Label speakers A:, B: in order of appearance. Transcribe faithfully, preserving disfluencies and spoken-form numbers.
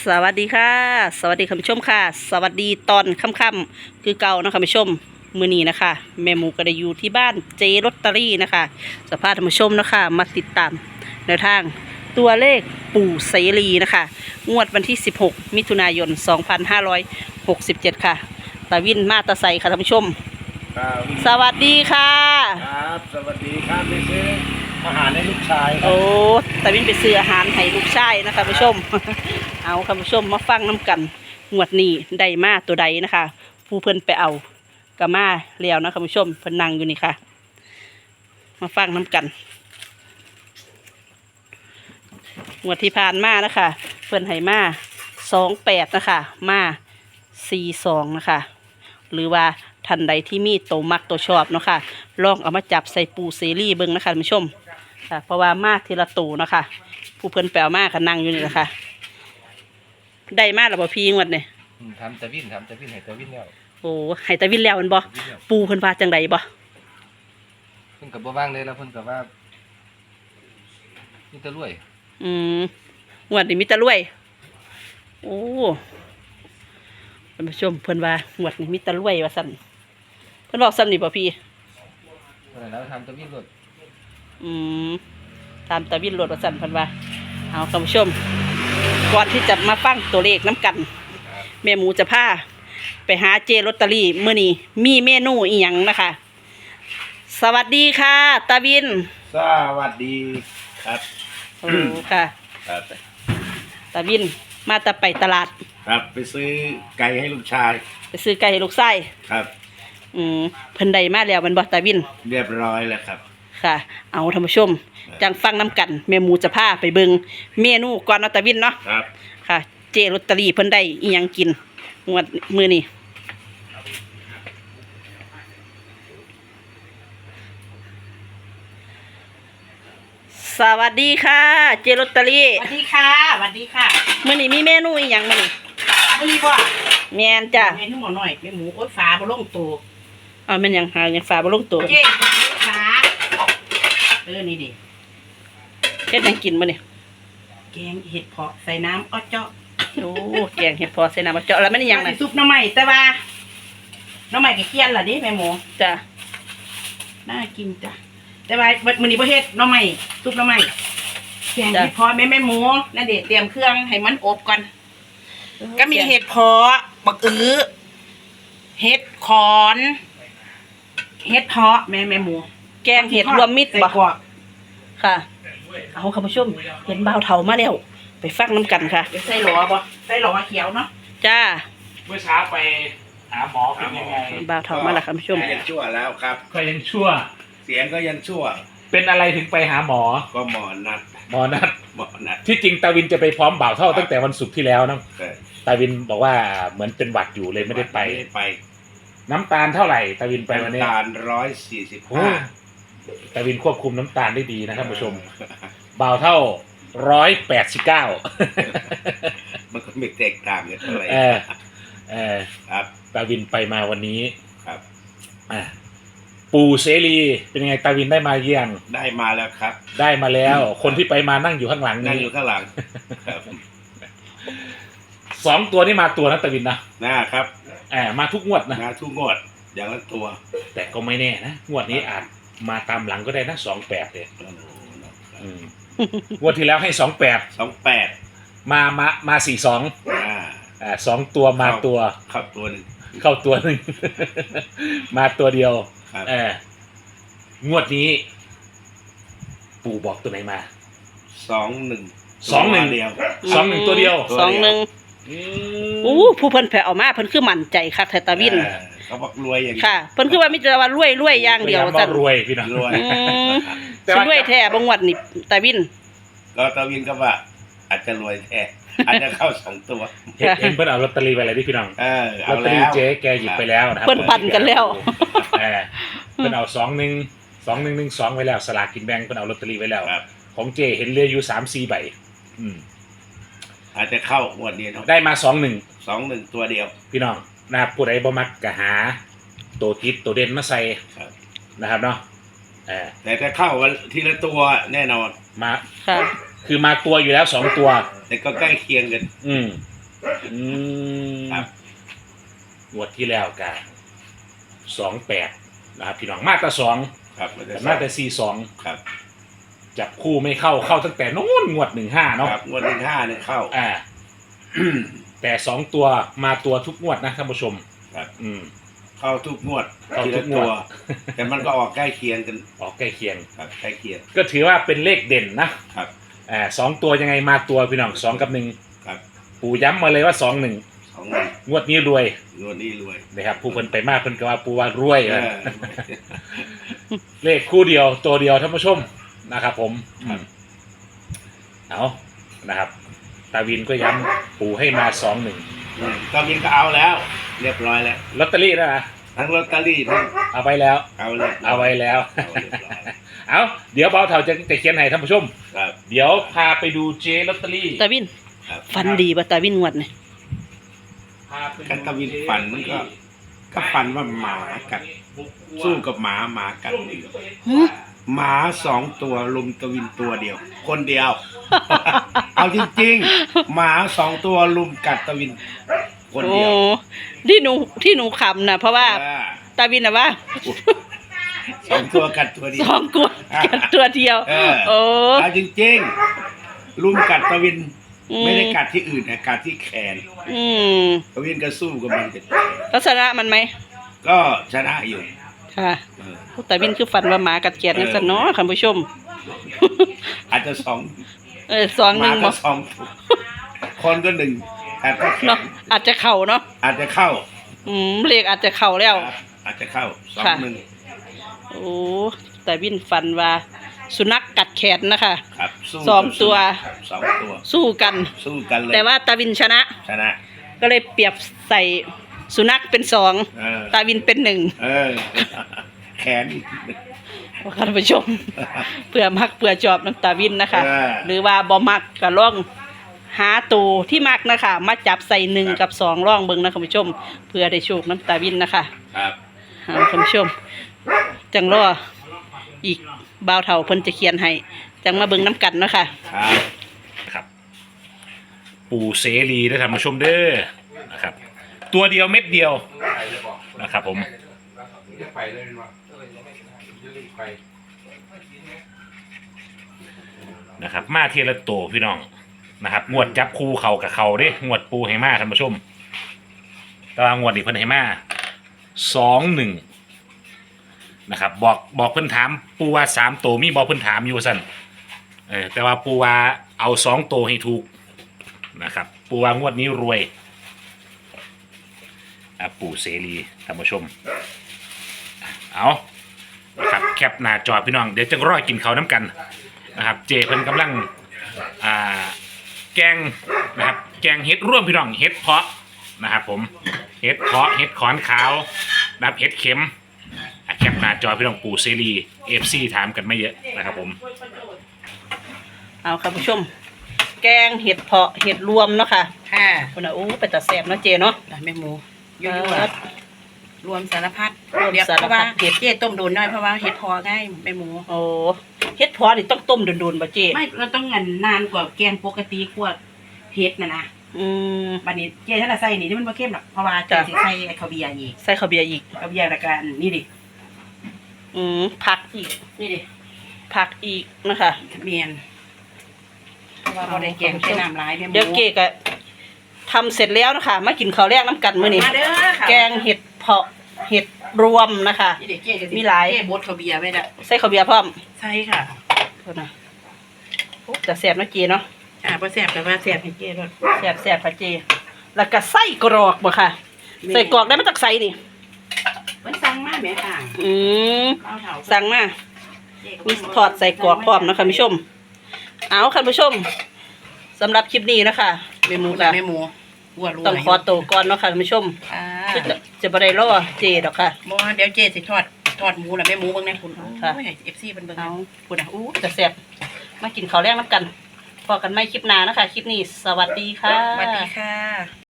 A: สวัสดีค่ะสวัสดีคุณผู้ชมค่ะสวัสดีตอนค่ำๆคือเก่านะคะคุณผู้ชมมื้อนี้นะคะแม่หมูก็ได้อยู่ที่บ้านเจลอตเตอรี่นะคะสภาพท่านผู้ชมนะคะมาติดตามแนวทางตัวเลขปู่เสรีนะคะงวดวันที่สิบหกมิถุนายนสองพันห้าร้อยหกสิบเจ็ดค่ะตาวินมาตาไซค่ะท่านผู้ชม
B: ครับ
A: สวัสดีค่ะ
B: ครับสวัสดีครับไปซื้ออาหารให้ลูกชาย
A: โอ้ตาวินไปซื้ออาหารให้ลูกชายนะคะคุณผู้ชม เอาคุณผู้ชมมาฟังน้ำกันงวดนี้ได้มาตัวใดนะคะผู้เพิ่นไปเอากะมาแล้วนะคุณผู้ชมเพิ่นนั่งอยู่นี่ค่ะมาฟังน้ำกันงวดที่ผ่านมานะคะเพิ่นให้มาสองแปดนะคะมาสี่สองนะคะหรือว่าท่านใดที่มีโตมักตัวชอบเนาะค่ะลองเอามาจับใส่ปูเซรีเบิ้งนะคะคุณผู้ชมค่ะเพราะว่ามาทีละตูเนาะค่ะผู้เพิ่นแปลมาค่ะนั่งอยู่นี่แหละค่ะได้มาแล้วบ่พี่งวดเนี่ย
B: ทำตะวินทำตะวินให้ตะวินแล้ว
A: โอ้ให้ตาวินแล้วมันบ่ปูเพิ่นว่าจังไดบ่
B: เพิ่นกับบ่ว่างเลยแล้วเพิ่นกับว่านี่ตะรวย
A: อืมงวดนี้มีแตะรวยโอ้ท่านผู้ชมเพิ่นว่างวดนี้มีแตะรวยว่าซั่นเพิ่นบอกซ้ำนี่บ่พี่
B: เพิ่นแล้วทำตะวินรถ
A: อืมตามตาวินรถว่าซั่นเพิ่นว่าเอาท่านผู้ชมก่อนที่จะมาฟังตัวเลขน้ำกันแม่หมูจะพาไปหาเจลอตเตอรี่มื้อนี้มีเมนูอีหยังนะคะสวัสดีค่ะตาวิน
B: สวัสดีครับ
A: โอ้ค่ะ
B: ครับ
A: ตาวินมาแต่ไปตลาด
B: ครับไปซื้อไก่ให้ลูกชาย
A: ไปซื้อไก่ให้ลูกไส้
B: ครับ
A: อืมเพิ่นได้มาแล้วมันบ่ตาวิน
B: เรียบร้อยแล้วครับ
A: ค่ะเอาท่านผู้ชมจังฟังน้ำกันแม่หมูจะพาไปเบิ่งเมนูก่อนเนาะตาวินเนาะ
B: ครับ
A: ค่ะเจลอตเตอรี่เพิ่นได้อีหยังกินงวดมื้อนี้สวัสดีค่ะเจลอตเตอรี่
C: สวัสดีค่ะสวัสดีค่ะ
A: มื้อนี้มีเมนูอีหยังมื้อนี้
C: มื้อนี้บ่
A: แม่นจ้ะ
C: เมนูหม้อน้อยแม่หมูโอ๊ยฟ้าบ่ลงตัว
A: อ้าวแม่นหยังหาหยังฝาบ่ลงตัว
C: เจ๊ฟ้าเออนี่ดิ
A: เฮ็ดหยังกินมื้อนี้
C: แกงเห็ดเผาะใส่น้ำอ้อเจาะ
A: โอ้แกงเห็ดพอใส่น้ำมะเจาะแล้วมันอีหยังน่ะ
C: ซุปหน่อไม้แต่ว่าหน่อไม้ก็เคี่ยนล่ะดิแม่หมู
A: จ้ะ
C: น่ากินจ้ะแต่ว่ามื้อนี้บ่เฮ็ดหน่อไม้ซุปหน่อไม้แกงเห็ดเผาะแม่แม่หมูนั่นเด้เตรียมเครื่องให้มันอบก่อนก็มีเห็ดเผาะบักอื้อเห็ดขอนเห็ดเผาะแม่แม่หมู
A: แกงเห็ดรวมมิตรบ่ค่ะเอาคุณผู้ชมเห็นบ่าวเฒ่ามาแล้วไปฟังน้ำกันค่ะ
C: ใส่หลอบ่ใส่หลอเขียวเนาะ
A: จ้า
D: เมื่อเช้าไปหาหมอเป็นยังไง
A: บ่าวเฒ่ามาแล้วคุณผู้ชม
B: ยังชั่วแล้วครับ
D: ก็ยังชั่ว
B: เสียงก็ยังชั่ว
D: เป็นอะไรถึงไปหาหมอ
B: ก็หมอนัด
D: หมอนัด
B: หมอนัด
D: ที่จริงตาวินจะไปพร้อมบ่าวเท่าตั้งแต่วันศุกร์ที่แล้วนะตาวินบอกว่าเหมือนเป็นหวัดอยู่เลยไม่ได้ไป
B: ไป
D: น้ำตาลเท่าไหร่ตาวินไปวันนี้
B: น้ำตาลร้อยสี่สิบห้า
D: ตาวินควบคุมน้ำตาลได้ดีนะครับผู้ชมบ่าวเท่าร้อยแปดสิบเก้า
B: มันก็ไม่แตกต่างกันเท่าไหร่
D: เออเออ
B: ครับ
D: ตาวินไปมาวันนี้
B: ครับ
D: อ่าปู่เสรีเป็นไงตาวินได้มาเยี่ยง
B: ได้มาแล้วครับ
D: ได้มาแล้วคนที่ไปมานั่งอยู่ข้างหลัง
B: นั่งอยู่ข้างหลัง
D: สองตัวนี้มาตัวนะตาวินนะ
B: นะครับ
D: แอบมาทุกงวดนะ
B: มาทุกงวดอย่างละตัว
D: แต่ก็ไม่แน่นะงวดนี้อาจมาตามหลังก็ได้นะสองแปดเนี่ยงวดที่แล้วให้สองแปด
B: สองแปด
D: มามามาสี่สองอ่าสองตัวมาตัว
B: เข้าตัวหนึ่ง
D: เข้าตัวหนึ่งมาตัวเดียวเอองวดนี้ปู่บอกตัวไหนมา
B: สองหนึ่ง
D: สองหนึ่ง
B: เดียว
D: สองหนึ่งตัวเดียว
A: สองหนึ่งอู้ผู้เพิ่นแผ่เอามาเพิ่นคือมั่นใจคักแท้ตาวิน
B: เขาบอกรวยอย่างนี้
A: ค่ะเพิ่นคือว่ามีแต่ว่ารวยรวยอย่างเดียว
D: จันรวยพี่น้อง
B: รวย
A: แต่รวยแท้บ่งวดนี่ตาวิน
B: ก็ตาวินก็ว่าอาจจะรวยแท้อาจจะเข้าสองตัว
D: เห็นเพิ่นเอาลอตเตอรี่ไปอะไรที่พี่น้อง
B: เออ
D: ลอตเตอรี่เจ๊แกหยิบไปแล้วนะครับ
A: เพิ่นปั่นกันแล้ว
D: เออเพิ่นเอาสองหนึ่งสองหนึ่งหนึ่งสองไว้แล้วสลากกินแบ่งเพิ่นเอาลอตเตอรี่ไว้แล้วของเจเห็นเรืออยู่สามสี่ใบอืม
B: อาจจะเข้างวดนี้เนาะ
D: ได้มาสองหนึ่ง
B: สองหนึ่งตัวเดียว
D: พี่น้องนะครับผู้ใดบ่มักก็หาตัวทิศตัวเด่นมาใส่นะครับเนาะเออ
B: แต่ถ้าเข้าทีละตัวแน่นอน
D: มา
A: ค่ะ
D: คือมาตัวอยู่แล้วสองตัว
B: แต่ก็ใกล้เคียงกัน
D: อืมอืม
B: ครับ
D: งวดที่แล้วกันสองแปดนะครับพี่น้องมาตราสอง
B: ครับมันจะ
D: แต่มาตราสี่สอง
B: ครับ
D: จับคู่ไม่เข้าเข้าตั้งแต่นู้นงวดหนึ่งห้าเนาะ
B: ครับงวดหนึ่งห้าเนี่ยเข้า
D: อ่า แต่สองตัวมาตัวทุกงวดนะท่านผู้ชม
B: ครับ
D: อืม
B: เข้าทุกงวด
D: เข้า
B: ที
D: ทุ
B: ละ
D: กง
B: ตัว ว
D: ด
B: แต่มันก็ออกใกล้เคียงกัน
D: ออกใกล้เคียง
B: ครับใกล้เคียง
D: ก็ถือว่าเป็นเลขเด่นนะครับ อ่าสองตัวยังไงมาตัวพี่น้องสองกับหนึ่ง
B: ครับ
D: ปู่ย้ำมาเลยว่าสองหนึ่ง
B: สองหนึ่ง
D: งวดนี้รวย
B: งวดนี้รวย
D: นะครับผู้เพิ่นไปมากเพิ่นก็ว่าปู่ว่ารวย
B: เอ
D: นะ
B: อ
D: เลขคู่เดียวตัวเดียวท่านผู้ชมนะครับผมอืมเอานะครับ ตาวินก็ย้ำปู่ให้มาสองหนึ่ง
B: อืมตอนนี้ก็เอาแล้ว เรียบร้อยแล้ว
D: ลอตเตอรี่นะนะ
B: ทั้งลอตเตอรี่ทั้ง
D: เอาไว้แล้ว
B: เอาเรียบร้ย
D: เอาไว้แล้ว
B: เอาเรียบร้อย
D: เอาเดี๋ยวเบาเถาจะจะเขียนให้ท่านผู้ชม
B: ครับ
D: เดี๋ยวพาไปดูเจลอตเตอรี่
A: ตาวิน
B: ครับ
A: ฟันดีป่ะตาวินงวดนี่
D: พาไปดู
B: กันตะวินฝันมันก็ ก็ฝันว่าหมากัด สู้กับหมาหมากัด
A: หึ
B: หมาสองตัวลุมตะวินตัวเดียว คนเดียว เอาจริงๆหมาสองตัวลุมกัดตะวิน คน
A: โอ้
B: เดียว
A: ที่หนูที่หนูขำนะเพราะว่า
B: อ่า
A: ตาวินนะว่า
B: สองตัวกัดตัวเดีย
A: ส
B: ว
A: องกลัวกันตัวเดียว
B: เออ
A: โอ้
B: เอาจริงๆลุมกัดตะวิน
A: อื
B: ไม่ได้กัดที่อื่นนะกัดที่แขน
A: อืม
B: ตะวินก็สู้กับมัน
A: ลักษณะมันไหม
B: ก็ชนะอยู่
A: ค่ะ
B: เออ
A: ตาวินคือฝันว่าหมากัดเกียดนั่นซะเนาะคุณผู้ชม
B: อาจจะสอง
A: เออสอง
B: ห
A: หนึ่
B: มาง
A: บ
B: ก็
A: อก
B: สองคนก็หนึ่งกัดก็แข
A: เนาะ
B: น
A: อาจจะเข่าเนาะ
B: อาจจะเข้า
A: อืมเลขอาจจะเข่าแล้ว
B: ครับอาจจะเข้าสอง
A: ค่ะ
B: หนึ่ง
A: โอ้ตาวินฝันว่า สุนัขกัดแขนนะคะ
B: ครับสู้
A: สองตัว
B: ครับสองตัว
A: สู้กัน
B: สู้กันเลย
A: แต่ว่าตาวินชนะ
B: ชนะ
A: ก็เลยเปรียบใส่สุนัขเป็นสอง
B: เออ
A: ตาวินเป็นหนึ่ง
B: เออ แขน
A: ท่านผู้ชม เพื่อมักเพื่อจอบน้ำตาวินนะคะ
B: เออ
A: หรือว่าบ่มักก็ล่องหาตัวที่มักนะคะ มาจับใส่หนึ่ง
B: ครับ
A: กับสองล่องเบิ่งนะคุณผู้ชม เพื่อได้โชคน้ำตาวินนะคะ
B: ครับ
A: หาคุณผู้ชม จังรออีกบ่าวเฒ่าเพิ่นจะเขียนให้จังมาเบิ่งน้ำกันเนาะค่ะ
B: ครับ
D: ครับ ปู่เสรีได้ท่านผู้ชมเด้อนะครับ ตัวเดียวเม็ดเดียวนะครับผม นะครับมาเทละโตวพี่น้องนะครับงวดจับคู่เขากับเขาเด้งวดปูให้มาท่านผู้ชมแต่ว่างวดนี้เพิ่นให้มาสองหนึ่งนะครับบอกบอกเพิ่นถามปูว่าสามโตวมีบอกเพิ่นถามอยู่สั่นเออแต่ว่าปูว่าเอาสองโตวให้ถูกนะครับปูว่างวดนี้รวยอ่ะปู่เสรีท่านผู้ชมเอานะครับแคปหน้าจอพี่น้องเดี๋ยวจะรอกินเขาวน้ำกัน นะครับเจเพิ่นกำลังอ่าแกงนะครับแกงเห็ดร่วมพี่น้องเห็ดเพาะนะครับผมเห็ดเพาะเห็ดขอนขาวนะครับเห็ดเข็มอ่ะแคปหน้าจอพี่น้องปู่เซรีเอฟซีถามกันไม่เยอะนะครับผม
A: เอาค่ะผู้ชม แกงเห็ดเพาะเห็ดรวมเนาะค่ะ
C: ค่ะ
A: คนน่ะโอ้ไปตัดแสบเนาะเจเนาะ
C: แม่หมู
A: เย
C: ยั่
A: อะ
C: วๆรวมสารพัด
A: รวม
C: เดี๋ยว
A: สารพัด
C: เพราะว่าเห็ดเจ๊ต้มโดนน้อยเพราะว่าเห็ดพอง่ายแม่หมู
A: โอ้เฮ็ดเพาะนี่ต้องต้มโดนๆบ่เจ
C: ไม่เราต้องเงินนานกว่าแกงปกติกว่าเห็ดนะนะ
A: อืม
C: บัดนี้เจ๊ถ้าเราใส่นี่นี่มันบ่เข้มหรอกเพราะว่าเจ๊
A: จ้ะ
C: สิใส่ไอ้ข้าวเบียร์อีก
A: ใส่ข้าวเบียร์อีก
C: ข้าวเบียร์ละกันนี่ดิ
A: อืมผักอีก
C: นี่ดิ
A: ผักอีกนะคะ
C: เมียนเพราะว่าบ่ได้แกงใช้น้ำหลายแม่หมู
A: เดี๋ยวเกก็ทำเสร็จแล้วนะคะมากินข้าวแรกน้ำกันมื้อนี้
C: มาเด้อค่ะ
A: แกงเห็ดเพาะเห็ดรวมนะคะ
C: นี่ดิเจ๊ก็สิ
A: มีหลาย
C: เจ๊บดข้าวเบียร์ไว้ละ
A: ใส่ข้าวเบียร์พร้อม
C: ใช่ค่ะ
A: โทษนะโอ้แต่แสบเนาะเจเนาะ
C: อ่าบ่แซ่บแต่ว่าแซ่บให้เจ๊ด้วย
A: แสบแสบค่ะเจ แล้วก็ไส้กรอกบ่ค่ะ ใส่กรอกได้มาจากไสนี่
C: เพิ่นสั่งมาแม่ค่ะ
A: อืม
C: เอาเถา
A: สั่งมา มีทอดใส่กรอกพร้อมนะคะคุณผู้ชม เอาค่ะคุณผู้ชมสำหรับคลิปนี้นะคะเม
C: ห
A: นู
C: มู
A: ค่ะ
C: แม่หมูวัวรัว
A: ต้องขอตัวก่อนเนาะค่ะคุณผู้ชม
C: อ่า
A: คือจะจะบ่ได้รอเจดอกค่ะ
C: บ่เดี๋ยวเจ๊สิทอดทอดหมูน่ะแม่หมูเบิ่งแน่คุณ
A: ค่ะ
C: โอ้ย เอฟ ซี เพิ่นเบิ่ง
A: เอา
C: นะคุณน่ะอู้
A: จะแสบมากินข้าวแรกน้ำกันพอกันไม่คลิปหน้านะคะ คลิปนี้สวัสดีค่ะ
C: สวัสดีค่ะ